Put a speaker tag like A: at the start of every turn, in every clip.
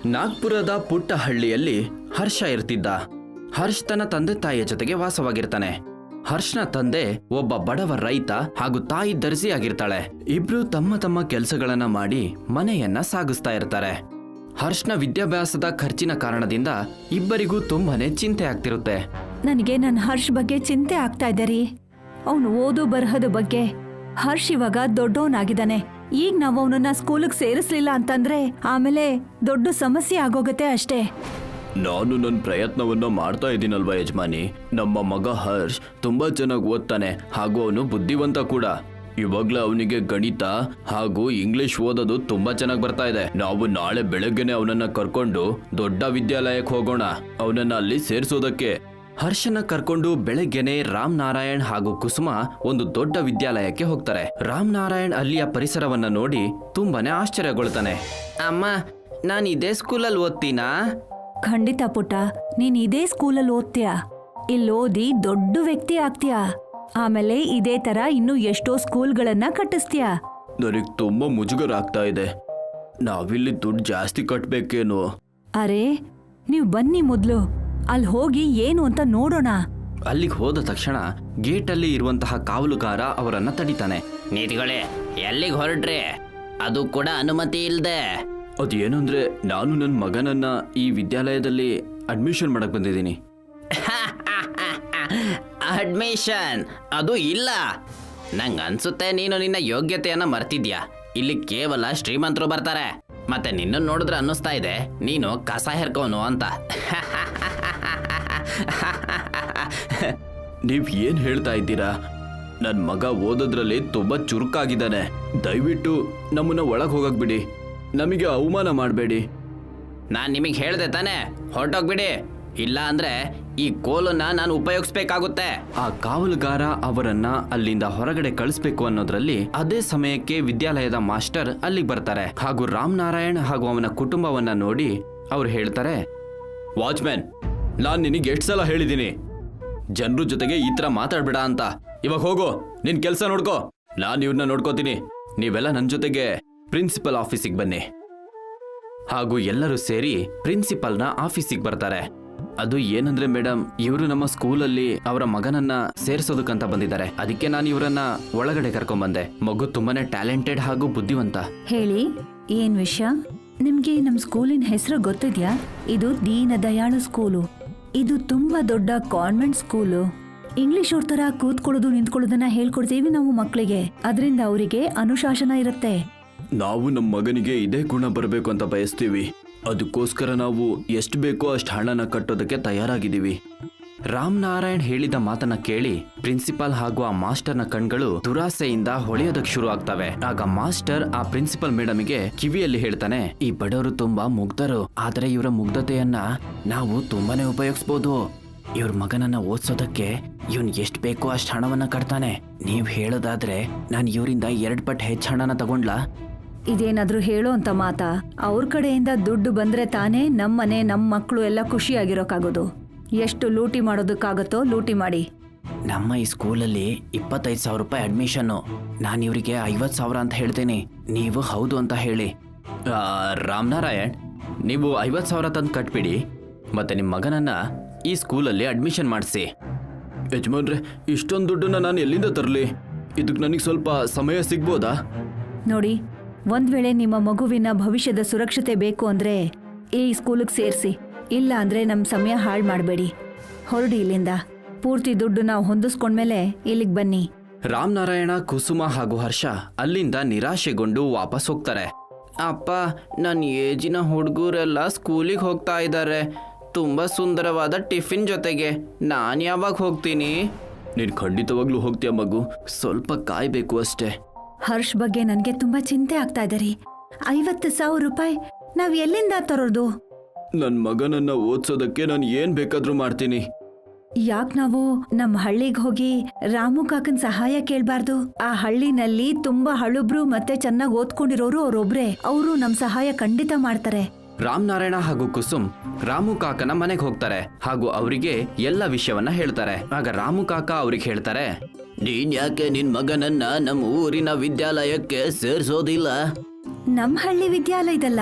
A: ನಾಗ್ಪುರದ ಪುಟ್ಟ ಹಳ್ಳಿಯಲ್ಲಿ ಹರ್ಷ ಇರ್ತಿದ್ದ. ಹರ್ಷ್ ತನ್ನ ತಂದೆ ತಾಯಿಯ ಜೊತೆಗೆ ವಾಸವಾಗಿರ್ತಾನೆ. ಹರ್ಷ್ನ ತಂದೆ ಒಬ್ಬ ಬಡವ ರೈತ ಹಾಗೂ ತಾಯಿ ದರ್ಜಿ ಆಗಿರ್ತಾಳೆ. ಇಬ್ರು ತಮ್ಮ ತಮ್ಮ ಕೆಲಸಗಳನ್ನ ಮಾಡಿ ಮನೆಯನ್ನ ಸಾಗಿಸ್ತಾ ಇರ್ತಾರೆ. ಹರ್ಷ್ನ ವಿದ್ಯಾಭ್ಯಾಸದ ಖರ್ಚಿನ ಕಾರಣದಿಂದ ಇಬ್ಬರಿಗೂ ತುಂಬಾನೇ ಚಿಂತೆ ಆಗ್ತಿರುತ್ತೆ.
B: ನನಗೆ ನನ್ನ ಹರ್ಷ್ ಬಗ್ಗೆ ಚಿಂತೆ ಆಗ್ತಾ ಇದೆ ರೀ. ಅವನು ಓದು ಬರಹದ ಬಗ್ಗೆ. ಹರ್ಷ್ ಇವಾಗ ದೊಡ್ಡವನಾಗಿದ್ದಾನೆ. ಈಗ ನಾವು ಅವನನ್ನ ಸ್ಕೂಲಿಗೆ ಸೇರಿಸ್ಲಿಲ್ಲ ಅಂತಂದ್ರೆ ಆಮೇಲೆ ದೊಡ್ಡ ಸಮಸ್ಯೆ ಆಗೋಗತ್ತೆ ಅಷ್ಟೇ.
A: ನಾನು ನನ್ನ ಪ್ರಯತ್ನವನ್ನ ಮಾಡ್ತಾ ಇದ್ದೀನಲ್ವಾ ಯಜಮಾನಿ. ನಮ್ಮ ಮಗ ಹರ್ಷ್ ತುಂಬಾ ಚೆನ್ನಾಗಿ ಓದ್ತಾನೆ ಹಾಗೂ ಅವನು ಬುದ್ಧಿವಂತ ಕೂಡ. ಇವಾಗ್ಲೇ ಅವನಿಗೆ ಗಣಿತ ಹಾಗೂ ಇಂಗ್ಲಿಷ್ ಓದೋದು ತುಂಬಾ ಚೆನ್ನಾಗಿ ಬರ್ತಾ ಇದೆ. ನಾವು ನಾಳೆ ಬೆಳಗ್ಗೆನೆ ಅವನನ್ನ ಕರ್ಕೊಂಡು ದೊಡ್ಡ ವಿದ್ಯಾಲಯಕ್ಕೆ ಹೋಗೋಣ, ಅವನನ್ನ ಅಲ್ಲಿ ಸೇರಿಸೋದಕ್ಕೆ. ಹರ್ಷನ ಕರ್ಕೊಂಡು ಬೆಳಗ್ಗೆನೆ ರಾಮ್ ನಾರಾಯಣ್ ಹಾಗೂ ಕುಸುಮ ಒಂದು ದೊಡ್ಡ ವಿದ್ಯಾಲಯಕ್ಕೆ ಹೋಗ್ತಾರೆ. ರಾಮ್ ನಾರಾಯಣ್ ಅಲ್ಲಿಯ ಪರಿಸರವನ್ನ ನೋಡಿ ತುಂಬಾನೇ ಆಶ್ಚರ್ಯಗೊಳ್ತಾನೆ. ಅಮ್ಮ, ನಾನು ಇದೇ ಸ್ಕೂಲಲ್ಲಿ ಓದ್ತೀನಾ?
B: ಖಂಡಿತ ಪುಟ್ಟ, ನೀನ್ ಇದೇ ಸ್ಕೂಲಲ್ಲಿ ಓದ್ತೀಯ. ಇಲ್ಲಿ ಓದಿ ದೊಡ್ಡ ವ್ಯಕ್ತಿ ಆಗ್ತೀಯಾ. ಆಮೇಲೆ ಇದೇ ತರ ಇನ್ನು ಎಷ್ಟೋ ಸ್ಕೂಲ್ಗಳನ್ನ ಕಟ್ಟಿಸ್ತೀಯ.
A: ನನಗೆ ತುಂಬಾ ಮುಜುಗರ ಆಗ್ತಾ ಇದೆ. ನಾವಿಲ್ಲಿ ದುಡ್ಡು ಜಾಸ್ತಿ ಕಟ್ಬೇಕೇನು?
B: ಅರೆ, ನೀವ್ ಬನ್ನಿ ಮೊದ್ಲು ಅಲ್ಲಿ ಹೋಗಿ ಏನು ಅಂತ ನೋಡೋಣ.
A: ಅಲ್ಲಿಗೆ ಹೋದ ತಕ್ಷಣ ಗೇಟ್ ಅಲ್ಲಿ ಇರುವಂತಹ ಕಾವಲುಗಾರ ಅವರನ್ನ ತಡಿತಾನೆ.
C: ನೀತಿಗಳೇ, ಎಲ್ಲಿಗೆ ಹೊರಡ್ರಿ? ಅದು ಕೂಡ ಅನುಮತಿ ಇಲ್ದೆ.
A: ಅದೇನಂದ್ರೆ ನಾನು ನನ್ನ ಮಗನನ್ನ ಈ ವಿದ್ಯಾಲಯದಲ್ಲಿ ಅಡ್ಮಿಷನ್ ಮಾಡಕ್ ಬಂದಿದ್ದೀನಿ.
C: ಅಡ್ಮಿಷನ್ ಅದು ಇಲ್ಲ. ನಂಗೆ ಅನ್ಸುತ್ತೆ ನೀನು ನಿನ್ನ ಯೋಗ್ಯತೆಯನ್ನ ಮರ್ತಿದ್ಯಾ. ಇಲ್ಲಿ ಕೇವಲ ಶ್ರೀಮಂತರು ಬರ್ತಾರೆ. ಮತ್ತೆ ನಿನ್ನ ನೋಡಿದ್ರೆ ಅನ್ನಿಸ್ತಾ ಇದೆ ನೀನು ಕಸ ಹೆರ್ಕೋನು ಅಂತ.
A: ನೀವ್ ಏನ್ ಹೇಳ್ತಾ ಇದ್ದೀರಾ? ನನ್ ಮಗ ಓದೋದ್ರಲ್ಲಿ ತುಂಬಾ ಚುರುಕಾಗಿದ್ದಾನೆ. ದಯವಿಟ್ಟು ನಮ್ಮನ್ನ ಒಳಗ್ ಹೋಗಕ್ ಬಿಡಿ. ನಮಗೆ ಅವಮಾನ ಮಾಡಬೇಡಿ.
C: ನಾನು ನಿಮಗೆ ಹೇಳ್ದೆ ತಾನೆ, ಹೊರಟೋಗ್ಬಿಡಿ. ಇಲ್ಲ ಅಂದ್ರೆ ಈ ಕೋಲನ್ನ ನಾನು ಉಪಯೋಗಿಸ್ಬೇಕಾಗುತ್ತೆ.
A: ಆ ಕಾವಲುಗಾರ ಅವರನ್ನ ಅಲ್ಲಿಂದ ಹೊರಗಡೆ ಕಳಿಸ್ಬೇಕು ಅನ್ನೋದ್ರಲ್ಲಿ ಅದೇ ಸಮಯಕ್ಕೆ ವಿದ್ಯಾಲಯದ ಮಾಸ್ಟರ್ ಅಲ್ಲಿಗೆ ಬರ್ತಾರೆ ಹಾಗೂ ರಾಮ್ ನಾರಾಯಣ್ ಹಾಗೂ ಅವನ ಕುಟುಂಬವನ್ನ ನೋಡಿ ಅವ್ರು ಹೇಳ್ತಾರೆ, ವಾಚ್ಮ್ಯಾನ್, ನಾನ್ ನಿನಗೆ ಎಷ್ಟು ಸಲ ಹೇಳಿದ್ದೀನಿ ಜನರ ಜೊತೆಗೆ ಈ ತರ ಮಾತಾಡ್ಬೇಡ ಅಂತ. ಇವಾಗ ಹೋಗು, ನಿನ್ ಕೆಲಸ ನೋಡ್ಕೋ, ನಾನು ಇವ್ರನ್ನ ನೋಡ್ಕೋತೀನಿ. ನೀವೆಲ್ಲ ನನ್ನ ಜೊತೆಗೆ ಪ್ರಿನ್ಸಿಪಲ್ ಆಫೀಸಿಗೆ ಬನ್ನಿ. ಹಾಗೂ ಎಲ್ಲರೂ ಸೇರಿ ಪ್ರಿನ್ಸಿಪಲ್ನ ಆಫೀಸಿಗೆ ಬರ್ತಾರೆ. ಅದು ಏನಂದ್ರೆ ಮೇಡಮ್, ಇವರು ನಮ್ಮ ಸ್ಕೂಲಲ್ಲಿ ಅವರ ಮಗನನ್ನ ಸೇರ್ಸೋದಕ್ಕಂತ ಬಂದಿದ್ದಾರೆ. ಅದಕ್ಕೆ ನಾನು ಇವರನ್ನ ಒಳಗಡೆ ಕರ್ಕೊಂಡ್ಬಂದೆ. ಮಗು ತುಂಬಾನೇ ಟ್ಯಾಲೆಂಟೆಡ್ ಹಾಗೂ ಬುದ್ಧಿವಂತ.
B: ಹೇಳಿ, ಏನ್ ವಿಷಯ? ನಿಮ್ಗೆ ನಮ್ ಸ್ಕೂಲಿನ ಹೆಸರು ಗೊತ್ತಿದ್ಯಾ? ಇದು ದೀನ ದಯಾಳು ಸ್ಕೂಲು. ಇದು ತುಂಬಾ ದೊಡ್ಡ ಕಾನ್ವೆಂಟ್ ಸ್ಕೂಲು. ಇಂಗ್ಲಿಷ್ ಅವ್ರ ತರ ಕೂತ್ಕೊಳ್ಳೋದು ನಿಂತ್ಕೊಳ್ಳೋದನ್ನ ಹೇಳ್ಕೊಡ್ತೀವಿ ನಾವು ಮಕ್ಕಳಿಗೆ. ಅದರಿಂದ ಅವರಿಗೆ ಅನುಶಾಸನ ಇರುತ್ತೆ.
A: ನಾವು ನಮ್ಮ ಮಗನಿಗೆ ಇದೇ ಗುಣ ಬರಬೇಕು ಅಂತ ಬಯಸ್ತೀವಿ. ಅದಕ್ಕೋಸ್ಕರ ನಾವು ಎಷ್ಟು ಬೇಕೋ ಅಷ್ಟು ಹಣನ ಕಟ್ಟೋದಕ್ಕೆ ತಯಾರಾಗಿದ್ದೀವಿ. ರಾಮ್ ನಾರಾಯಣ್ ಹೇಳಿದ ಮಾತನ್ನ ಕೇಳಿ ಪ್ರಿನ್ಸಿಪಾಲ್ ಹಾಗೂ ಆ ಮಾಸ್ಟರ್ನ ಕಣ್ಗಳು ದುರಾಸೆಯಿಂದ ಹೊಳೆಯೋದಕ್ಕೆ ಶುರು ಆಗ್ತವೆ. ಆಗ ಮಾಸ್ಟರ್ ಆ ಪ್ರಿನ್ಸಿಪಲ್ ಮೇಡಮ್ಗೆ ಕಿವಿಯಲ್ಲಿ ಹೇಳ್ತಾನೆ, ಈ ಬಡವರು ತುಂಬಾ ಮುಗ್ಧರು, ಆದ್ರೆ ಇವರ ಮುಗ್ಧತೆಯನ್ನ ನಾವು ತುಂಬಾನೇ ಉಪಯೋಗಿಸಬಹುದು. ಇವ್ರ ಮಗನನ್ನ ಓದಿಸೋದಕ್ಕೆ ಇವನ್ ಎಷ್ಟು ಬೇಕೋ ಅಷ್ಟು ಹಣವನ್ನ ಕಟ್ತಾನೆ. ನೀವ್ ಹೇಳೋದಾದ್ರೆ ನಾನು ಇವರಿಂದ 2 ಪಟ್ಟು ಹೆಚ್ಚು ಹಣನ ತಗೊಂಡ್ಲಾ?
B: ಇದೇನಾದ್ರೂ ಹೇಳೋ ಅಂತ ಮಾತಾ? ಅವ್ರ ಕಡೆಯಿಂದ ದುಡ್ಡು ಬಂದ್ರೆ ತಾನೇ ನಮ್ಮನೆ ನಮ್ಮ ಮಕ್ಕಳು ಎಲ್ಲ ಖುಷಿಯಾಗಿರೋಕ್ಕಾಗೋದು. ಎಷ್ಟು ಲೂಟಿ ಮಾಡೋದಕ್ಕಾಗತ್ತೋ ಲೂಟಿ ಮಾಡಿ.
C: ನಮ್ಮ ಈ ಸ್ಕೂಲಲ್ಲಿ 25,000 ರೂಪಾಯಿ ಅಡ್ಮಿಷನ್ನು. ನಾನು ಇವರಿಗೆ 50,000 ಅಂತ ಹೇಳ್ತೀನಿ. ನೀವು ಹೌದು ಅಂತ ಹೇಳಿ.
A: ರಾಮ್ ನಾರಾಯಣ್, ನೀವು 50,000 ತಂದು ಕಟ್ಬಿಡಿ, ಮತ್ತೆ ನಿಮ್ಮ ಮಗನನ್ನ ಈ ಸ್ಕೂಲಲ್ಲಿ ಅಡ್ಮಿಷನ್ ಮಾಡಿಸಿ. ಯಜಮಾನ್ರೆ, ಇಷ್ಟೊಂದು ದುಡ್ಡನ್ನ ನಾನು ಎಲ್ಲಿಂದ ತರಲಿ? ಇದಕ್ಕೆ ನನಗೆ ಸ್ವಲ್ಪ ಸಮಯ ಸಿಗ್ಬೋದಾ?
B: ನೋಡಿ, ಒಂದ್ ವೇಳೆ ನಿಮ್ಮ ಮಗುವಿನ ಭವಿಷ್ಯದ ಸುರಕ್ಷತೆ ಬೇಕು ಅಂದ್ರೆ ಈ ಸ್ಕೂಲಿಗೆ ಸೇರಿಸಿ. ಇಲ್ಲ ಅಂದ್ರೆ ನಮ್ ಸಮಯ ಹಾಳು ಮಾಡಬೇಡಿ. ಹೊರಡಿ ಇಲ್ಲಿಂದ. ಪೂರ್ತಿ ದುಡ್ಡು ನಾವು ಹೊಂದಿಸ್ಕೊಂಡ್ಮೇಲೆ ಇಲ್ಲಿಗೆ ಬನ್ನಿ.
A: ರಾಮ್ ನಾರಾಯಣ, ಕುಸುಮ ಹಾಗೂ ಹರ್ಷ ಅಲ್ಲಿಂದ ನಿರಾಶೆಗೊಂಡು ವಾಪಸ್ ಹೋಗ್ತಾರೆ.
C: ಅಪ್ಪ, ನನ್ನ ಏಜಿನ ಹುಡುಗರೆಲ್ಲ ಸ್ಕೂಲಿಗೆ ಹೋಗ್ತಾ ಇದ್ದಾರೆ. ತುಂಬ ಸುಂದರವಾದ ಟಿಫಿನ್ ಜೊತೆಗೆ ನಾನು ಯಾವಾಗ ಹೋಗ್ತೀನಿ?
A: ನೀನು ಖಂಡಿತವಾಗ್ಲೂ ಹೋಗ್ತೀಯ ಮಗು, ಸ್ವಲ್ಪ ಕಾಯ್ಬೇಕು ಅಷ್ಟೇ.
B: ಹರ್ಷ್ ಬಗ್ಗೆ ನನ್ಗೆ ತುಂಬಾ ಚಿಂತೆ ಆಗ್ತಾ ಇದೆ ರೀ. 50,000 ರೂಪಾಯಿ ನಾವ್ ಎಲ್ಲಿಂದ ತರೋದು?
A: ನನ್ನ ಮಗನನ್ನ ಓದ್ಸೋದಕ್ಕೆ ನಾನು ಏನ್ ಬೇಕಾದ್ರೂ ಮಾಡ್ತೀನಿ.
B: ಯಾಕ್ ನಾವು ನಮ್ ಹಳ್ಳಿಗೆ ಹೋಗಿ ರಾಮು ಕಾಕನ್ ಸಹಾಯ ಕೇಳ್ಬಾರ್ದು? ಆ ಹಳ್ಳಿನಲ್ಲಿ ತುಂಬಾ ಹಳುಬ್ರು ಮತ್ತೆ ಚೆನ್ನಾಗಿ ಓದ್ಕೊಂಡಿರೋರು ಅವ್ರೊಬ್ರೆ. ಅವರು ನಮ್ ಸಹಾಯ ಖಂಡಿತ ಮಾಡ್ತಾರೆ.
A: ರಾಮ್ ನಾರಾಯಣ ಹಾಗೂ ಕುಸುಮ್ ರಾಮು ಕಾಕನ ಮನೆಗೆ ಹೋಗ್ತಾರೆ ಹಾಗೂ ಅವರಿಗೆ ಎಲ್ಲ ವಿಷಯವನ್ನ ಹೇಳ್ತಾರೆ. ಆಗ ರಾಮು ಕಾಕ ಅವ್ರಿಗೆ ಹೇಳ್ತಾರೆ,
C: ನೀನ್ ಯಾಕೆ ನಿನ್ ಮಗನನ್ನ ನಮ್ಮ ಊರಿನ ವಿದ್ಯಾಲಯಕ್ಕೆ ಸೇರ್ಸೋದಿಲ್ಲ?
B: ನಮ್ ಹಳ್ಳಿ ವಿದ್ಯಾಲಯದಲ್ಲ,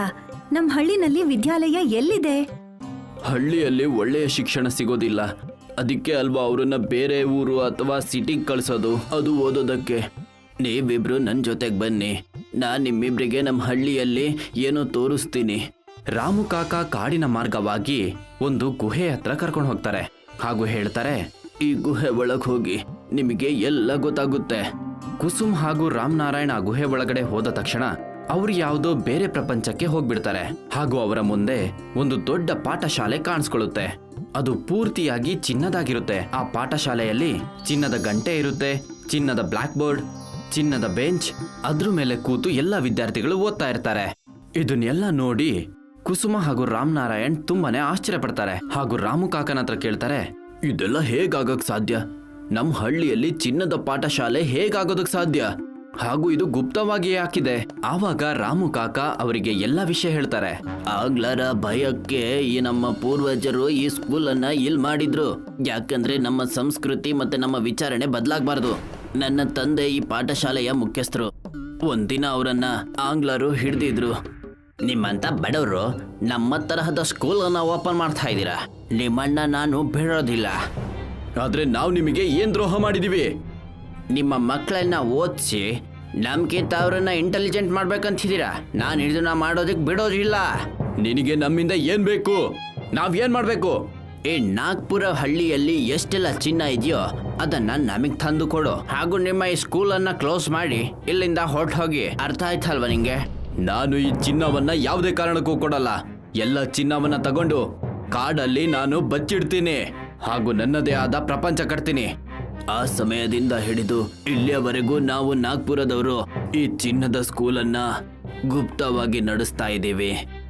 B: ನಮ್ ಹಳ್ಳಿನಲ್ಲಿ ವಿದ್ಯಾಲಯ ಎಲ್ಲಿದೆ?
A: ಹಳ್ಳಿಯಲ್ಲಿ ಒಳ್ಳೆಯ ಶಿಕ್ಷಣ ಸಿಗೋದಿಲ್ಲ. ಅದಕ್ಕೆ ಅಲ್ವಾ ಅವರನ್ನ ಬೇರೆ ಊರು ಅಥವಾ ಸಿಟಿಗೆ ಕಳ್ಸೋದು, ಅದು ಓದೋದಕ್ಕೆ. ನೀವಿಬ್ರು ನನ್ನ ಜೊತೆಗೆ ಬನ್ನಿ, ನಾನು ನಿಮ್ಮಿಬ್ರಿಗೆ ನಮ್ಮ ಹಳ್ಳಿಯಲ್ಲಿ ಏನೋ ತೋರಿಸ್ತೀನಿ. ರಾಮು ಕಾಕ ಕಾಡಿನ ಮಾರ್ಗವಾಗಿ ಒಂದು ಗುಹೆ ಹತ್ರ ಕರ್ಕೊಂಡು ಹೋಗ್ತಾರೆ ಹಾಗೂ ಹೇಳ್ತಾರೆ, ಈ ಗುಹೆ ಒಳಗೆ ಹೋಗಿ ನಿಮಗೆ ಎಲ್ಲ ಗೊತ್ತಾಗುತ್ತೆ. ಕುಸುಮ್ ಹಾಗೂ ರಾಮನಾರಾಯಣ್ ಆ ಗುಹೆ ಒಳಗಡೆ ಹೋದ ತಕ್ಷಣ ಅವ್ರು ಯಾವುದೋ ಬೇರೆ ಪ್ರಪಂಚಕ್ಕೆ ಹೋಗ್ಬಿಡ್ತಾರೆ ಹಾಗೂ ಅವರ ಮುಂದೆ ಒಂದು ದೊಡ್ಡ ಪಾಠಶಾಲೆ ಕಾಣಿಸ್ಕೊಳ್ಳುತ್ತೆ. ಅದು ಪೂರ್ತಿಯಾಗಿ ಚಿನ್ನದಾಗಿರುತ್ತೆ. ಆ ಪಾಠಶಾಲೆಯಲ್ಲಿ ಚಿನ್ನದ ಗಂಟೆ ಇರುತ್ತೆ, ಚಿನ್ನದ ಬ್ಲಾಕ್ ಬೋರ್ಡ್, ಚಿನ್ನದ ಬೆಂಚ್, ಅದ್ರ ಮೇಲೆ ಕೂತು ಎಲ್ಲ ವಿದ್ಯಾರ್ಥಿಗಳು ಓದ್ತಾ ಇರ್ತಾರೆ. ಇದನ್ನೆಲ್ಲ ನೋಡಿ ಕುಸುಮ ಹಾಗೂ ರಾಮನಾರಾಯಣ್ ತುಂಬಾನೇ ಆಶ್ಚರ್ಯ ಪಡ್ತಾರೆ ಹಾಗೂ ರಾಮು ಕಾಕನ ಹತ್ರ ಕೇಳ್ತಾರೆ, ಇದೆಲ್ಲ ಹೇಗಾಗಕ್ ಸಾಧ್ಯ? ನಮ್ಮ ಹಳ್ಳಿಯಲ್ಲಿ ಚಿನ್ನದ ಪಾಠಶಾಲೆ ಹೇಗಾಗೋದಕ್ ಸಾಧ್ಯ? ಹಾಗೂ ಇದು ಗುಪ್ತವಾಗಿ ಹಾಕಿದೆ. ಆವಾಗ ರಾಮು ಕಾಕ ಅವರಿಗೆ ಎಲ್ಲ ವಿಷಯ ಹೇಳ್ತಾರೆ. ಆಗ್ಲರ ಭಯಕ್ಕೆ ಈ ನಮ್ಮ ಪೂರ್ವಜರು ಈ ಸ್ಕೂಲನ್ನ ಇಲ್ಲಿ ಮಾಡಿದ್ರು, ಯಾಕಂದ್ರೆ ನಮ್ಮ ಸಂಸ್ಕೃತಿ ಮತ್ತೆ ನಮ್ಮ ವಿಚಾರಣೆ ಬದಲಾಗಬಾರ್ದು. ನನ್ನ ತಂದೆ ಈ ಪಾಠಶಾಲೆಯ ಮುಖ್ಯಸ್ಥರು. ಒಂದಿನ ಅವರನ್ನ ಆಂಗ್ಲರು ಹಿಡಿದಿದ್ರು. ನಿಮ್ಮಂತ ಬಡವರು ನಮ್ಮ ತರಹದ ಸ್ಕೂಲನ್ನ ಓಪನ್ ಮಾಡ್ತಾ ಇದ್ದೀರಾ, ನಿಮ್ಮಣ್ಣ ನಾನು ಬಿಡೋದಿಲ್ಲ. ಆದ್ರೆ ನಾವು ನಿಮಗೆ ಏನ್ ದ್ರೋಹ ಮಾಡಿದೀವಿ? ನಿಮ್ಮ ಮಕ್ಕಳನ್ನ ಓದಿಸಿ ನಮ್ಗಿಂತ ಅವರನ್ನ ಇಂಟೆಲಿಜೆಂಟ್ ಮಾಡ್ಬೇಕಂತಿದ್ದೀರಾ? ನಾನು ಇದನ್ನ ಮಾಡೋದಕ್ಕೆ ಬಿಡೋದಿಲ್ಲ. ನಿನಗೆ ನಮ್ಮಿಂದ ಏನ್ ಬೇಕು? ನಾವೇನ್ ಮಾಡ್ಬೇಕು? ಈ ನಾಗ್ಪುರ ಹಳ್ಳಿಯಲ್ಲಿ ಎಷ್ಟೆಲ್ಲ ಚಿನ್ನ ಇದೆಯೋ ಅದನ್ನ ನಮಗ್ ತಂದು ಕೊಡು, ಹಾಗೂ ನಿಮ್ಮ ಈ ಸ್ಕೂಲನ್ನ ಕ್ಲೋಸ್ ಮಾಡಿ ಇಲ್ಲಿಂದ ಹೊರಟು ಹೋಗಿ. ಅರ್ಥ ಆಯ್ತಲ್ವಾ ನಿಂಗೆ? ನಾನು ಈ ಚಿನ್ನವನ್ನ ಯಾವುದೇ ಕಾರಣಕ್ಕೂ ಕೊಡಲ್ಲ. ಎಲ್ಲ ಚಿನ್ನವನ್ನ ತಗೊಂಡು ಕಾಡಲ್ಲಿ ನಾನು ಬಚ್ಚಿಡ್ತೀನಿ ಹಾಗೂ ನನ್ನದೇ ಆದ ಪ್ರಪಂಚ ಕಟ್ತೀನಿ. ಆ ಸಮಯದಿಂದ ಹಿಡಿದು ಇಲ್ಲಿಯವರೆಗೂ ನಾವು ನಾಗ್ಪುರದವರು ಈ ಚಿನ್ನದ ಸ್ಕೂಲನ್ನ ಗುಪ್ತವಾಗಿ ನಡೆಸ್ತಾ ಇದ್ದೀವಿ.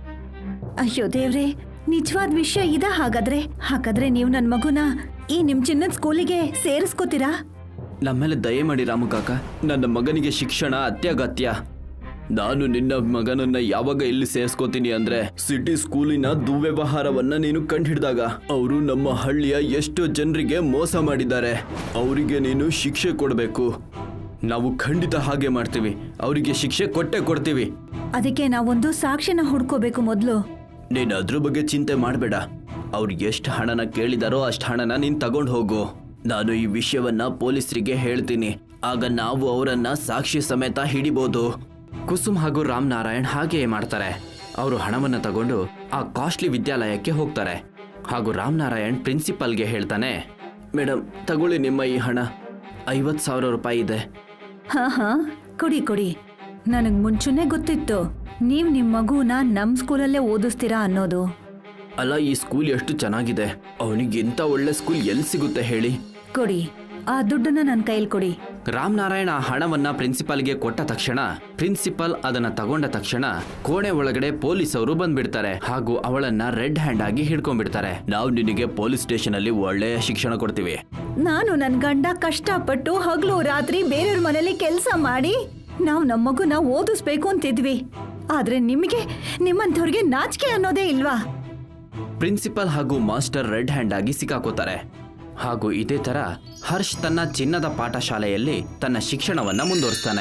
B: ಅಯ್ಯೋ ದೇವ್ರೆ, ನಿಜವಾದ ವಿಷಯ ಇದ? ಹಾಗಾದ್ರೆ ನೀವು ನನ್ ಮಗುನ ಈ ನಿಮ್ ಚಿನ್ನದ ಸ್ಕೂಲಿಗೆ ಸೇರಿಸ್ಕೋತೀರಾ?
A: ನಮ್ಮೇಲೆ ದಯೆ ಮಾಡಿ ರಾಮು ಕಾಕ, ನನ್ನ ಮಗನಿಗೆ ಶಿಕ್ಷಣ ಅತ್ಯಗತ್ಯ. ನಾನು ನಿನ್ನ ಮಗನನ್ನ ಯಾವಾಗ ಇಲ್ಲಿ ಸೇರಿಸ್ಕೋತೀನಿ ಅಂದ್ರೆ ಸಿಟಿ ಸ್ಕೂಲಿನ ದುರ್ವ್ಯವಹಾರವನ್ನ ನೀನು ಕಂಡುಹಿಡಿದಾಗ ಅವರು ನಮ್ಮ ಹಳ್ಳಿಯ ಎಷ್ಟೋ ಜನರಿಗೆ ಮೋಸ ಮಾಡಿದ್ದಾರೆ. ಅವರಿಗೆ ನೀನು ಶಿಕ್ಷೆ ಕೊಡಬೇಕು. ನಾವು ಖಂಡಿತ ಹಾಗೆ ಮಾಡ್ತೀವಿ, ಅವರಿಗೆ ಶಿಕ್ಷೆ ಕೊಟ್ಟೆ ಕೊಡ್ತೀವಿ.
B: ಅದಕ್ಕೆ ನಾವೊಂದು ಸಾಕ್ಷಿನ ಹುಡ್ಕೋಬೇಕು ಮೊದ್ಲು.
A: ನೀನು ಅದ್ರ ಬಗ್ಗೆ ಚಿಂತೆ ಮಾಡಬೇಡ. ಅವ್ರು ಎಷ್ಟು ಹಣನ ಕೇಳಿದಾರೋ ಅಷ್ಟು ಹಣನ ನೀನು ತಗೊಂಡು ಹೋಗು. ನಾನು ಈ ವಿಷಯವನ್ನ ಪೊಲೀಸರಿಗೆ ಹೇಳ್ತೀನಿ, ಆಗ ನಾವು ಅವರನ್ನ ಸಾಕ್ಷಿ ಸಮೇತ ಹಿಡಿಬಹುದು. ಕುಸುಮ್ ಹಾಗೂ ರಾಮನಾರಾಯಣ್ ಹಾಗೆಯೇ ಮಾಡ್ತಾರೆ. ಅವರು ಹಣವನ್ನು ತಗೊಂಡು ಆ ಕಾಸ್ಟ್ಲಿ ವಿದ್ಯಾಲಯಕ್ಕೆ ಹೋಗ್ತಾರೆ ಹಾಗೂ ರಾಮನಾರಾಯಣ್ ಪ್ರಿನ್ಸಿಪಲ್ಗೆ ಹೇಳ್ತಾನೆ, ಮೇಡಮ್ ತಗೊಳ್ಳಿ ನಿಮ್ಮ ಈ ಹಣ, 50,000 ರೂಪಾಯಿ ಇದೆ.
B: ಹಾ ಕೊಡಿ. ನನಗ್ ಮುಂಚೆನೆ ಗೊತ್ತಿತ್ತು ನೀವ್ ನಿಮ್ ಮಗುನ ನಮ್ ಸ್ಕೂಲಲ್ಲೇ ಓದಿಸ್ತೀರಾ ಅನ್ನೋದು.
A: ಅಲ್ಲ, ಈ ಸ್ಕೂಲ್ ಎಷ್ಟು ಚೆನ್ನಾಗಿದೆ, ಅವನಿಗೆ ಇಂಥ ಒಳ್ಳೆ ಸ್ಕೂಲ್ ಎಲ್ಲಿ ಸಿಗುತ್ತೆ ಹೇಳಿ?
B: ಕೊಡಿ, ಆ ದುಡ್ಡನ್ನ ನನ್ನ ಕೈಲಿ ಕೊಡಿ.
A: ರಾಮನಾರಾಯಣ ಆ ಹಣವನ್ನ ಪ್ರಿನ್ಸಿಪಾಲ್ಗೆ ಕೊಟ್ಟ ತಕ್ಷಣ ಪ್ರಿನ್ಸಿಪಲ್ ಅದನ್ನ ತಗೊಂಡ ತಕ್ಷಣ ಕೋಣೆ ಒಳಗಡೆ ಪೊಲೀಸವರು ಬಂದ್ಬಿಡ್ತಾರೆ ಹಾಗೂ ಅವಳನ್ನ ರೆಡ್ ಹ್ಯಾಂಡ್ ಆಗಿ ಹಿಡ್ಕೊಂಡ್ಬಿಡ್ತಾರೆ. ನಾವು ನಿನಗೆ ಪೊಲೀಸ್ ಸ್ಟೇಷನ್ ಅಲ್ಲಿ ಒಳ್ಳೆಯ ಶಿಕ್ಷಣ ಕೊಡ್ತೀವಿ.
B: ನಾನು ನನ್ ಗಂಡ ಕಷ್ಟಪಟ್ಟು ಹಗಲು ರಾತ್ರಿ ಬೇರೆಯವ್ರ ಮನೇಲಿ ಕೆಲಸ ಮಾಡಿ ನಾವು ನಮ್ಮ ಮಗುನ ಓದಿಸ್ಬೇಕು ಅಂತಿದ್ವಿ. ಆದ್ರೆ ನಿಮಗೆ ನಿಮ್ಮಂಥವ್ರಿಗೆ ನಾಚಿಕೆ ಅನ್ನೋದೇ ಇಲ್ವಾ?
A: ಪ್ರಿನ್ಸಿಪಲ್ ಹಾಗೂ ಮಾಸ್ಟರ್ ರೆಡ್ ಹ್ಯಾಂಡ್ ಆಗಿ ಸಿಕ್ಕಾಕೋತಾರೆ. ಹಾಗೂ ಇದೇ ತರ ಹರ್ಷ್ ತನ್ನ ಚಿನ್ನದ ಪಾಠಶಾಲೆಯಲ್ಲಿ ತನ್ನ ಶಿಕ್ಷಣವನ್ನ ಮುಂದುವರಿಸ್ತಾನೆ.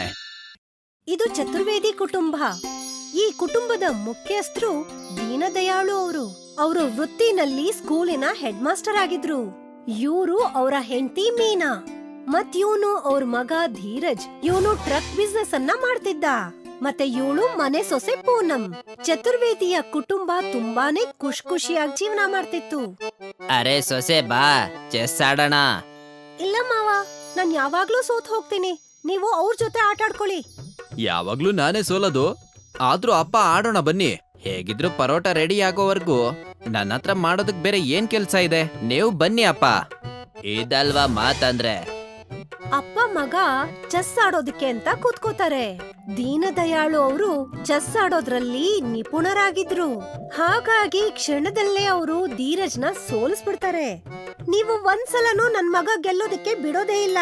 D: ಇದು ಚತುರ್ವೇದಿ ಕುಟುಂಬ. ಈ ಕುಟುಂಬದ ಮುಖ್ಯಸ್ಥರು ದೀನದಯಾಳು ಅವರು. ಅವರು ವೃತ್ತಿನಲ್ಲಿ ಸ್ಕೂಲಿನ ಹೆಡ್ ಮಾಸ್ಟರ್ ಆಗಿದ್ರು. ಇವರು ಅವರ ಹೆಂಡತಿ ಮೀನಾ, ಮತ್ ಇವನು ಅವ್ರ ಮಗ ಧೀರಜ್. ಇವನು ಟ್ರಕ್ ಬಿಸ್ನೆಸ್ ಅನ್ನ ಮಾಡ್ತಿದ್ದ. ಮತ್ತೆ ಇವಳು ಮನೆ ಸೊಸೆ ಪೂನಂ. ಚತುರ್ವೇದಿಯ ಕುಟುಂಬ ತುಂಬಾನೇ ಖುಷಿಯಾಗಿ ಜೀವನ ಮಾಡ್ತಿತ್ತು.
C: ಅರೆ ಸೊಸೆ ಬಾ, ಚೆಸ್ ಆಡೋಣ.
D: ಇಲ್ಲ ಮಾವ, ನಾನ್ ಯಾವಾಗ್ಲೂ ಸೋತ್ ಹೋಗ್ತೀನಿ. ನೀವು ಅವ್ರ ಜೊತೆ ಆಟ ಆಡ್ಕೊಳ್ಳಿ.
E: ಯಾವಾಗ್ಲೂ ನಾನೇ ಸೋಲೋದು. ಆದ್ರೂ ಅಪ್ಪ ಆಡೋಣ ಬನ್ನಿ. ಹೇಗಿದ್ರು ಪರೋಟ ರೆಡಿ ಆಗೋವರೆಗೂ ನನ್ನ ಹತ್ರ ಮಾಡೋದಕ್ ಬೇರೆ ಏನ್ ಕೆಲ್ಸ ಇದೆ? ನೀವು ಬನ್ನಿ ಅಪ್ಪ.
C: ಇದಲ್ವಾ ಮಾತಂದ್ರೆ?
D: ಅಪ್ಪ ಮಗ ಚೆಸ್ ಆಡೋದಕ್ಕೆ ಅಂತ ಕೂತ್ಕೋತಾರೆ. ದೀನದಯಾಳು ಅವರು ಚೆಸ್ ಆಡೋದ್ರಲ್ಲಿ ನಿಪುಣರಾಗಿದ್ರು. ಹಾಗಾಗಿ ಕ್ಷಣದಲ್ಲೇ ಅವರು ಧೀರಜ್ನ ಸೋಲಿಸ್ಬಿಡ್ತಾರೆ. ನೀವು ಒಂದ್ಸಲನೂ ನನ್ ಮಗ ಗೆಲ್ಲೋದಕ್ಕೆ ಬಿಡೋದೇ ಇಲ್ಲ.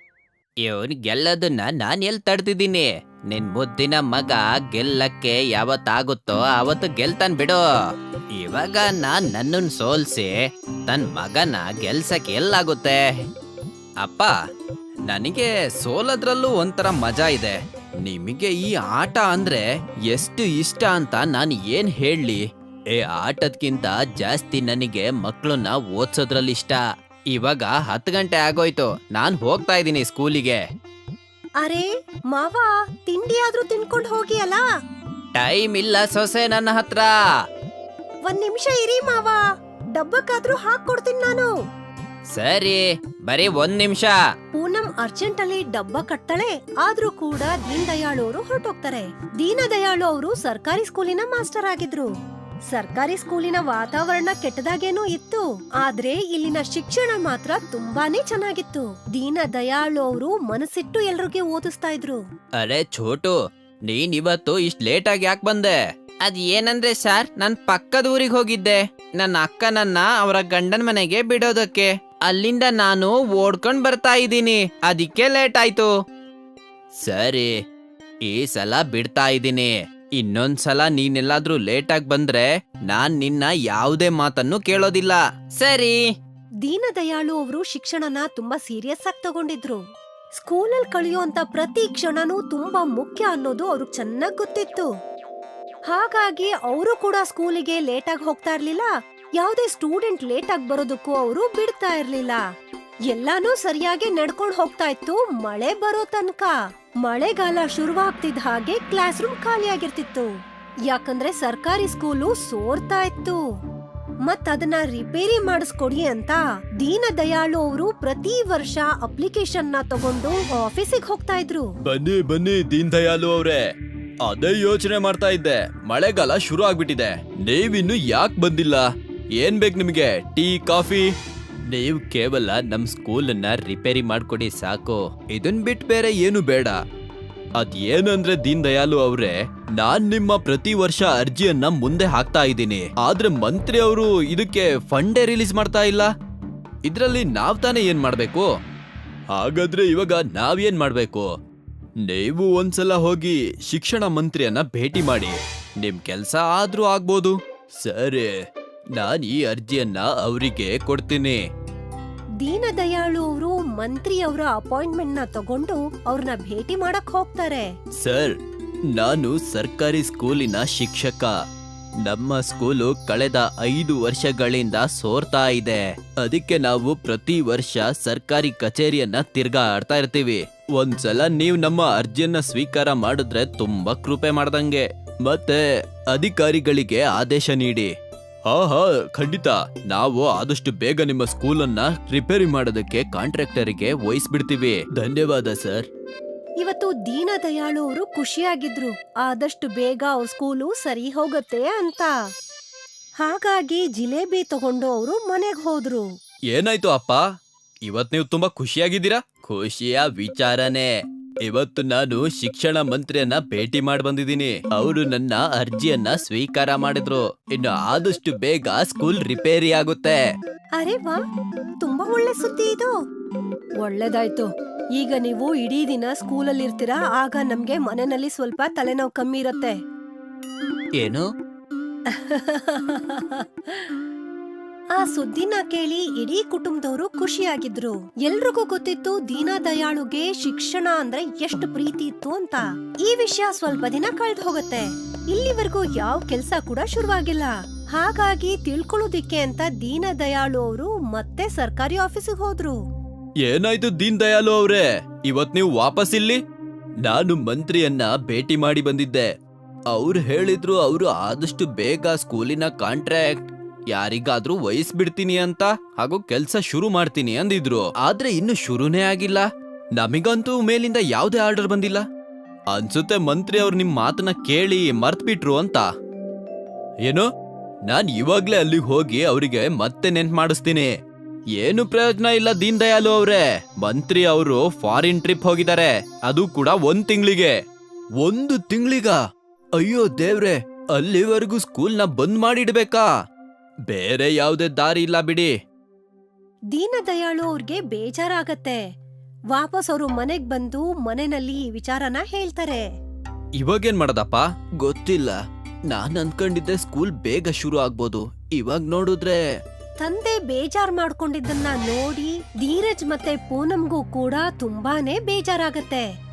C: ಇವನ್ ಗೆಲ್ಲೋದನ್ನ ನಾನ್ ಎಲ್ ತಡ್ತಿದ್ದೀನಿ? ನಿನ್ ಮುದ್ದಿನ ಮಗ ಗೆಲ್ಲಕ್ಕೆ ಯಾವತ್ತಾಗುತ್ತೋ ಅವತ್ತು ಗೆಲ್ತಾನ್ ಬಿಡು. ಇವಾಗ ನಾನ್ ನನ್ನನ್ ಸೋಲ್ಸಿ ತನ್ ಮಗನ ಗೆಲ್ಸಕ್ ಎಲ್ಲಾಗುತ್ತೆ?
E: ಅಪ್ಪ, ನನಗೆ ಸೋಲೋದ್ರಲ್ಲೂ ಒಂಥರ ಮಜಾ ಇದೆ. ನಿಮಗೆ ಈ ಆಟ ಅಂದ್ರೆ ಎಷ್ಟು ಇಷ್ಟ ಅಂತ ನಾನು ಏನ್ ಹೇಳಿ. ಆಟದ್ಕಿಂತ ಜಾಸ್ತಿ ನನಗೆ ಮಕ್ಕಳನ್ನ ಓದ್ಸೋದ್ರಲ್ಲಿ ಇಷ್ಟ. ಇವಾಗ 10 ಗಂಟೆ ಆಗೋಯ್ತು, ನಾನ್ ಹೋಗ್ತಾ ಇದ್ದೀನಿ ಸ್ಕೂಲಿಗೆ.
D: ಅರೆ ಮಾವ, ತಿಂಡಿ ಆದ್ರೂ ತಿನ್ಕೊಂಡ್ ಹೋಗಿ ಅಲ್ಲ.
E: ಟೈಮ್ ಇಲ್ಲ ಸೊಸೆ ನನ್ನ ಹತ್ರ.
D: ಒಂದ್ ನಿಮಿಷ ಇರಿ ಮಾವ, ಡಬ್ಬಕ್ಕಾದ್ರೂ ಹಾಕೊಡ್ತೀನಿ ನಾನು.
E: ಸರಿ, ಬರೀ 1 ನಿಮಿಷ.
D: ಪೂನಂ ಅರ್ಜೆಂಟ್ ಅಲ್ಲಿ ಡಬ್ಬ ಕಟ್ತಾಳೆ. ಆದ್ರೂ ಕೂಡ ದೀನ್ ದಯಾಳು ಅವರು ಹೊರಟೋಗ್ತಾರೆ. ದೀನ ದಯಾಳು ಅವರು ಸರ್ಕಾರಿ ಸ್ಕೂಲಿನ ಮಾಸ್ಟರ್ ಆಗಿದ್ರು. ಸರ್ಕಾರಿ ಸ್ಕೂಲಿನ ವಾತಾವರಣ ಕೆಟ್ಟದಾಗೇನೂ ಇತ್ತು, ಆದ್ರೆ ಇಲ್ಲಿನ ಶಿಕ್ಷಣ ಮಾತ್ರ ತುಂಬಾನೇ ಚೆನ್ನಾಗಿತ್ತು. ದೀನ ದಯಾಳು ಅವರು ಮನಸ್ಸಿಟ್ಟು ಎಲ್ರಿಗೆ ಓದಿಸ್ತಾ ಇದ್ರು.
E: ಅರೆ ಛೋಟು, ನೀನ್ ಇವತ್ತು ಇಷ್ಟ್ ಲೇಟ್ ಆಗಿ ಯಾಕೆ ಬಂದೆ? ಅದ್ ಏನಂದ್ರೆ ಸರ್, ನಾನ್ ಪಕ್ಕದ ಊರಿಗೆ ಹೋಗಿದ್ದೆ. ನನ್ನ ಅಕ್ಕನನ್ನ ಅವರ ಗಂಡನ ಮನೆಗೆ ಬಿಡೋದಕ್ಕೆ. ಅಲ್ಲಿಂದ ನಾನು ಓಡ್ಕೊಂಡ್ ಬರ್ತಾ ಇದ್ದೀನಿ, ಅದಕ್ಕೆ ಲೇಟ್ ಆಯ್ತು. ಸರಿ, ಈ ಸಲ ಬಿಡ್ತಾ ಇದ್ದೀನಿ. ಇನ್ನೊಂದ್ಸಲ ನೀನೆಲ್ಲಾದ್ರೂ ಲೇಟ್ ಆಗಿ ಬಂದ್ರೆ ನಾನ್ ನಿನ್ನ ಯಾವುದೇ ಮಾತನ್ನು ಕೇಳೋದಿಲ್ಲ. ಸರಿ.
D: ದೀನ ದಯಾಳು ಅವರು ಶಿಕ್ಷಣನ ತುಂಬಾ ಸೀರಿಯಸ್ ಆಗಿ ತಗೊಂಡಿದ್ರು. ಸ್ಕೂಲಲ್ಲಿ ಕಳೆಯುವಂತ ಪ್ರತಿ ಕ್ಷಣನೂ ತುಂಬಾ ಮುಖ್ಯ ಅನ್ನೋದು ಅವ್ರಿಗೆ ಚೆನ್ನಾಗ್ ಗೊತ್ತಿತ್ತು. ಹಾಗಾಗಿ ಅವರು ಕೂಡ ಸ್ಕೂಲಿಗೆ ಲೇಟ್ ಆಗಿ ಹೋಗ್ತಾ ಇರ್ಲಿಲ್ಲ. ಯಾವುದೇ ಸ್ಟೂಡೆಂಟ್ ಲೇಟ್ ಆಗಿ ಬರೋದಕ್ಕೂ ಅವರು ಬಿಡ್ತಾ ಇರ್ಲಿಲ್ಲ. ಎಲ್ಲಾನು ಸರಿಯಾಗಿ ನಡ್ಕೊಂಡ್ ಹೋಗ್ತಾ ಇತ್ತು ಮಳೆ ಬರೋ ತನಕ. ಮಳೆಗಾಲ ಶುರುವಾಗ್ತಿದ್ದ ಹಾಗೆ ಕ್ಲಾಸ್ ರೂಮ್ ಖಾಲಿಯಾಗಿರ್ತಿತ್ತು. ಯಾಕಂದ್ರೆ ಸರ್ಕಾರಿ ಸ್ಕೂಲು ಸೋರ್ತಾ ಇತ್ತು. ಅದನ್ನ ರಿಪೇರಿ ಮಾಡಿಸ್ಕೊಡಿ ಅಂತ ದೀನ ದಯಾಳು ಅವರು ಪ್ರತಿ ವರ್ಷ ಅಪ್ಲಿಕೇಶನ್ ನ ತಗೊಂಡು ಆಫೀಸಿಗೆ ಹೋಗ್ತಾ ಇದ್ರು.
E: ಬನ್ನಿ ಬನ್ನಿ ದೀನ್ ದಯಾಳು ಅವ್ರೆ, ಅದೇ ಯೋಚನೆ ಮಾಡ್ತಾ ಇದ್ದೆ. ಮಳೆಗಾಲ ಶುರು ಆಗ್ಬಿಟ್ಟಿದೆ, ನೀವಿನ್ನು ಯಾಕೆ ಬಂದಿಲ್ಲ? ಏನ್ ಬೇಕು ನಿಮಗೆ? Tea, coffee? ನೀವು ಕೇವಲ ನಮ್ ಸ್ಕೂಲನ್ನ ರಿಪೇರಿ ಮಾಡ್ಕೊಡಿ ಸಾಕು. ಇದನ್ ಬಿಟ್ ಬೇರೆ ಏನು ಬೇಡ. ಅದ್ ಏನಂದ್ರೆ ದೀನ್ ದಯಾಳು ಅವ್ರೆ, ನಾನ್ ನಿಮ್ಮ ಪ್ರತಿ ವರ್ಷ ಅರ್ಜಿಯನ್ನ ಮುಂದೆ ಹಾಕ್ತಾ ಇದ್ದೀನಿ. ಆದ್ರೆ ಮಂತ್ರಿ ಅವರು ಇದಕ್ಕೆ ಫಂಡೇ ರಿಲೀಸ್ ಮಾಡ್ತಾ ಇಲ್ಲ. ಇದ್ರಲ್ಲಿ ನಾವ್ ತಾನೇ ಏನ್ ಮಾಡ್ಬೇಕು? ಹಾಗಾದ್ರೆ ಇವಾಗ ನಾವೇನ್ ಮಾಡ್ಬೇಕು? ನೀವು ಒಂದ್ಸಲ ಹೋಗಿ ಶಿಕ್ಷಣ ಮಂತ್ರಿಯನ್ನ ಭೇಟಿ ಮಾಡಿ, ನಿಮ್ ಕೆಲ್ಸ ಆದ್ರೂ ಆಗ್ಬೋದು. ಸರಿ, ನಾನ್ ಈ ಅರ್ಜಿಯನ್ನ ಅವರಿಗೆ ಕೊಡ್ತೀನಿ.
D: ದೀನ ದಯಾಳು ಅವರು ಮಂತ್ರಿ ಅವರ ಅಪಾಯಿಂಟ್ಮೆಂಟ್ ನ ತಗೊಂಡು ಅವ್ರನ್ನ ಭೇಟಿ ಮಾಡಕ್ ಹೋಗ್ತಾರೆ.
E: ಸರ್, ನಾನು ಸರ್ಕಾರಿ ಸ್ಕೂಲಿನ ಶಿಕ್ಷಕ. ನಮ್ಮ ಸ್ಕೂಲು ಕಳೆದ 5 ವರ್ಷಗಳಿಂದ ಸೋರ್ತಾ ಇದೆ. ಅದಕ್ಕೆ ನಾವು ಪ್ರತಿ ವರ್ಷ ಸರ್ಕಾರಿ ಕಚೇರಿಯನ್ನ ತಿರ್ಗಾಡ್ತಾ ಇರ್ತೀವಿ. ಒಂದ್ಸಲ ನೀವು ನಮ್ಮ ಅರ್ಜಿಯನ್ನ ಸ್ವೀಕಾರ ಮಾಡಿದ್ರೆ ತುಂಬಾ ಕೃಪೆ ಮಾಡ್ದಂಗೆ. ಮತ್ತೆ ಅಧಿಕಾರಿಗಳಿಗೆ ಆದೇಶ ನೀಡಿ. ಹಾ, ಖಂಡಿತ. ನಾವು ಆದಷ್ಟು ಬೇಗ ನಿಮ್ಮ ಸ್ಕೂಲನ್ನ ರಿಪೇರಿ ಮಾಡೋದಕ್ಕೆ ಕಾಂಟ್ರಾಕ್ಟರಿಗೆ ವಹಿಸ್ಬಿಡ್ತೀವಿ. ಧನ್ಯವಾದ ಸರ್.
D: ಇವತ್ತು ದೀನ ದಯಾಳು ಅವರು ಖುಷಿಯಾಗಿದ್ರು, ಆದಷ್ಟು ಬೇಗ ಅವ್ರ ಸ್ಕೂಲು ಸರಿ ಹೋಗತ್ತೆ ಅಂತ. ಹಾಗಾಗಿ ಜಿಲೇಬಿ ತಗೊಂಡು ಅವರು ಮನೆಗ್ ಹೋದ್ರು.
E: ಏನಾಯ್ತು ಅಪ್ಪ, ಇವತ್ ನೀವು ತುಂಬಾ ಖುಷಿಯಾಗಿದ್ದೀರಾ? ಖುಷಿಯ ವಿಚಾರನೇ. ಇವತ್ತು ನಾನು ಶಿಕ್ಷಣ ಮಂತ್ರಿಯನ್ನ ಭೇಟಿ ಮಾಡಿ ಬಂದಿದ್ದೀನಿ. ಅವರು ನನ್ನ ಅರ್ಜಿಯನ್ನ ಸ್ವೀಕಾರ ಮಾಡಿದ್ರು. ಇನ್ನು ಆದಷ್ಟು ಬೇಗ ಸ್ಕೂಲ್ ರಿಪೇರಿ ಆಗುತ್ತೆ.
D: ಅರೆ ವಾ, ತುಂಬಾ ಒಳ್ಳೆ ಸುದ್ದಿ ಇದು. ಒಳ್ಳೇದಾಯ್ತು. ಈಗ ನೀವು ಇಡೀ ದಿನ ಸ್ಕೂಲಲ್ಲಿ ಇರ್ತೀರಾ, ಆಗ ನಮ್ಗೆ ಮನೆಯಲ್ಲಿ ಸ್ವಲ್ಪ ತಲೆನೋವು ಕಮ್ಮಿ ಇರತ್ತೆ.
E: ಏನು?
D: ಆ ಸುದ್ದಿನ ಕೇಳಿ ಇಡೀ ಕುಟುಂಬದವರು ಖುಷಿಯಾಗಿದ್ರು. ಎಲ್ರಿಗೂ ಗೊತ್ತಿತ್ತು ದೀನ ದಯಾಳುಗೆ ಶಿಕ್ಷಣ ಅಂದ್ರೆ ಎಷ್ಟು ಪ್ರೀತಿ ಇತ್ತು ಅಂತ. ಈ ವಿಷಯ ಸ್ವಲ್ಪ ದಿನ ಕಳೆದು ಹೋಗುತ್ತೆ. ಇಲ್ಲಿವರೆಗೂ ಯಾವ ಕೆಲ್ಸ ಕೂಡ ಶುರುವಾಗಿಲ್ಲ. ಹಾಗಾಗಿ ತಿಳ್ಕೊಳ್ಳೋದಿಕ್ಕೆ ಅಂತ ದೀನ ದಯಾಳು ಅವರು ಮತ್ತೆ ಸರ್ಕಾರಿ ಆಫೀಸಿಗೆ ಹೋದ್ರು.
E: ಏನಾಯ್ತು ದೀನ್ ದಯಾಳು ಅವ್ರೆ, ಇವತ್ ನೀವು ವಾಪಸ್ ಇಲ್ಲಿ? ನಾನು ಮಂತ್ರಿಯನ್ನ ಭೇಟಿ ಮಾಡಿ ಬಂದಿದ್ದೆ. ಅವ್ರು ಹೇಳಿದ್ರು ಅವರು ಆದಷ್ಟು ಬೇಗ ಸ್ಕೂಲಿನ ಕಾಂಟ್ರಾಕ್ಟ್ ಯಾರಿಗಾದ್ರೂ ವಹಿಸ್ಬಿಡ್ತೀನಿ ಅಂತ, ಹಾಗೂ ಕೆಲ್ಸ ಶುರು ಮಾಡ್ತೀನಿ ಅಂದಿದ್ರು. ಆದ್ರೆ ಇನ್ನು ಶುರುನೇ ಆಗಿಲ್ಲ. ನಮಿಗಂತೂ ಮೇಲಿಂದ ಯಾವ್ದೇ ಆರ್ಡರ್ ಬಂದಿಲ್ಲ. ಅನ್ಸುತ್ತೆ ಮಂತ್ರಿ ಅವ್ರು ನಿಮ್ ಮಾತನ್ನ ಕೇಳಿ ಮರ್ತ್ಬಿಟ್ರು ಅಂತ. ಏನು? ನಾನ್ ಇವಾಗ್ಲೇ ಅಲ್ಲಿಗೆ ಹೋಗಿ ಅವರಿಗೆ ಮತ್ತೆ ನೆನ್ಪು ಮಾಡಿಸ್ತೀನಿ. ಏನು ಪ್ರಯೋಜನ ಇಲ್ಲ ದೀನ್ ದಯಾಳು ಅವ್ರೆ. ಮಂತ್ರಿ ಅವರು ಫಾರಿನ್ ಟ್ರಿಪ್ ಹೋಗಿದ್ದಾರೆ, ಅದು ಕೂಡ 1 ತಿಂಗಳಿಗೆ. 1 ತಿಂಗಳಿಗ? ಅಯ್ಯೋ ದೇವ್ರೆ, ಅಲ್ಲಿವರೆಗೂ ಸ್ಕೂಲ್ನ ಬಂದ್ ಮಾಡಿಡ್ಬೇಕಾ? ಬೇರೆ ಯಾವುದೇ ದಾರಿ ಇಲ್ಲ ಬಿಡಿ.
D: ದೀನ ದಯಾಳು ಅವ್ರಿಗೆ ಬೇಜಾರಾಗತ್ತೆ. ವಾಪಸ್ ಅವರು ಮನೆಗ್ ಬಂದು ಮನೆಯಲ್ಲಿ ಈ ವಿಚಾರನ ಹೇಳ್ತಾರೆ.
E: ಇವಾಗೇನ್ ಮಾಡದಪ್ಪ? ಗೊತ್ತಿಲ್ಲ. ನಾನ್ ಅನ್ಕೊಂಡಿದ್ದೆ ಸ್ಕೂಲ್ ಬೇಗ ಶುರು ಆಗ್ಬೋದು. ಇವಾಗ ನೋಡಿದ್ರೆ
D: ತಂದೆ ಬೇಜಾರ್ ಮಾಡ್ಕೊಂಡಿದ್ದನ್ನ ನೋಡಿ ಧೀರಜ್ ಮತ್ತೆ ಪೂನಂಗೂ ಕೂಡ ತುಂಬಾನೇ ಬೇಜಾರಾಗತ್ತೆ.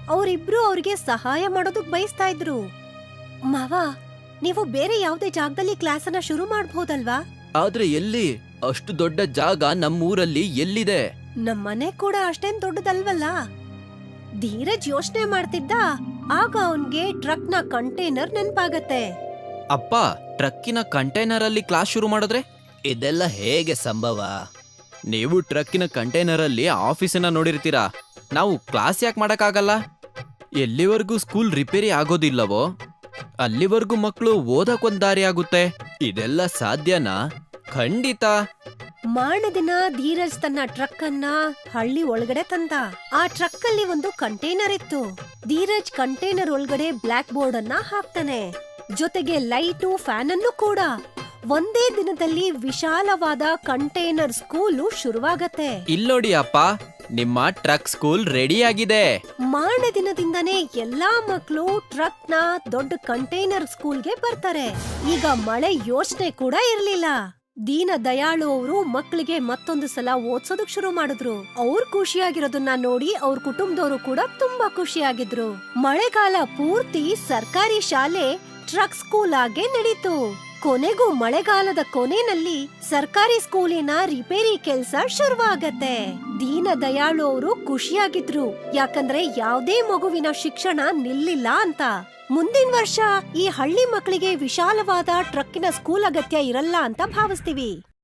D: ಅವರಿಬ್ರು ಅವ್ರಿಗೆ ಸಹಾಯ ಮಾಡೋದಕ್ ಬಯಸ್ತಾ ಇದ್ರು. ಮಾವ, ನೀವು ಬೇರೆ ಯಾವ್ದೇ ಜಾಗದಲ್ಲಿ ಕ್ಲಾಸನ್ನ ಶುರು ಮಾಡ್ಬೋದಲ್ವಾ?
E: ಆದ್ರೆ ಎಲ್ಲಿ? ಅಷ್ಟು ದೊಡ್ಡ ಜಾಗ ನಮ್ಮೂರಲ್ಲಿ ಎಲ್ಲಿದೆ?
D: ನಮ್ಮನೆ ಕೂಡ ಅಷ್ಟೇನ್ ದೊಡ್ಡದಲ್ವಲ್ಲ. ಧೀರಜ್ ಯೋಚನೆ ಮಾಡ್ತಿದ್ದ. ಆಗ ಅವನ್ಗೆ ಟ್ರಕ್ನ ಕಂಟೈನರ್ ನೆನ್ಪಾಗತ್ತೆ.
E: ಅಪ್ಪ, ಟ್ರಕ್ಕಿನ ಕಂಟೈನರ್ ಅಲ್ಲಿ ಕ್ಲಾಸ್ ಶುರು ಮಾಡಿದ್ರೆ ಇದೆಲ್ಲ ಹೇಗೆ ಸಂಭವ? ನೀವು ಟ್ರಕ್ಕಿನ ಕಂಟೈನರ್ ಅಲ್ಲಿ ಆಫೀಸನ್ನ ನೋಡಿರ್ತೀರಾ, ನಾವು ಕ್ಲಾಸ್ ಯಾಕೆ ಮಾಡಕ್ಕಾಗಲ್ಲ? ಎಲ್ಲಿವರೆಗೂ ಸ್ಕೂಲ್ ರಿಪೇರಿ ಆಗೋದಿಲ್ಲವೋ ಅಲ್ಲಿವರೆಗೂ ಮಕ್ಕಳು ಓದಕ್ಕೊಂದ್ ದಾರಿ ಆಗುತ್ತೆ. ಇದೆಲ್ಲ ಸಾಧ್ಯನಾ? ಖಂಡಿತ.
D: ಮಾರನೇ ದಿನ ಧೀರಜ್ ತನ್ನ ಟ್ರಕ್ ಅನ್ನ ಹಳ್ಳಿ ಒಳಗಡೆ ತಂದ. ಆ ಟ್ರಕ್ ಅಲ್ಲಿ ಒಂದು ಕಂಟೈನರ್ ಇತ್ತು. ಧೀರಜ್ ಕಂಟೈನರ್ ಒಳಗಡೆ ಬ್ಲಾಕ್ ಬೋರ್ಡ್ ಅನ್ನ ಹಾಕ್ತಾನೆ, ಜೊತೆಗೆ ಲೈಟು, ಫ್ಯಾನ್ ಅನ್ನು ಕೂಡ. ಒಂದೇ ದಿನದಲ್ಲಿ ವಿಶಾಲವಾದ ಕಂಟೈನರ್ ಸ್ಕೂಲು ಶುರುವಾಗತ್ತೆ.
E: ಇಲ್ಲೋಡಿ ಅಪ್ಪ, ನಿಮ್ಮ ಟ್ರಕ್ ಸ್ಕೂಲ್ ರೆಡಿ ಆಗಿದೆ.
D: ಮಾರನೇ ದಿನದಿಂದನೇ ಎಲ್ಲಾ ಮಕ್ಕಳು ಟ್ರಕ್ ನ ದೊಡ್ಡ ಕಂಟೈನರ್ ಸ್ಕೂಲ್ಗೆ ಬರ್ತಾರೆ. ಈಗ ಮಳೆ ಯೋಚನೆ ಕೂಡ ಇರ್ಲಿಲ್ಲ. ದೀನ ದಯಾಳು ಅವರು ಮಕ್ಕಳಿಗೆ ಮತ್ತೊಂದು ಸಲ ಓದ್ಸೋದಕ್ ಶುರು ಮಾಡಿದ್ರು. ಅವ್ರು ಖುಷಿಯಾಗಿರೋದನ್ನ ನೋಡಿ ಅವ್ರ ಕುಟುಂಬದವರು ಕೂಡ ತುಂಬಾ ಖುಷಿಯಾಗಿದ್ರು. ಮಳೆಗಾಲ ಪೂರ್ತಿ ಸರ್ಕಾರಿ ಶಾಲೆ ಟ್ರಕ್ ಸ್ಕೂಲ್ ಆಗೇ ನಡೀತು. ಕೊನೆಗೂ ಮಳೆಗಾಲದ ಕೊನೆಯಲ್ಲಿ ಸರ್ಕಾರಿ ಸ್ಕೂಲಿನ ರಿಪೇರಿ ಕೆಲ್ಸ ಶುರುವಾಗತ್ತೆ. ದೀನ ದಯಾಳು ಅವರು ಖುಷಿಯಾಗಿದ್ರು, ಯಾಕಂದ್ರೆ ಯಾವ್ದೇ ಮಗುವಿನ ಶಿಕ್ಷಣ ನಿಲ್ಲಿಲ್ಲ ಅಂತ. ಮುಂದಿನ ವರ್ಷ ಈ ಹಳ್ಳಿ ಮಕ್ಕಳಿಗೆ ವಿಶಾಲವಾದ ಟ್ರಕ್ಕಿನ ಸ್ಕೂಲ್ ಅಗತ್ಯ ಇರಲ್ಲ ಅಂತ ಭಾವಿಸ್ತೀವಿ.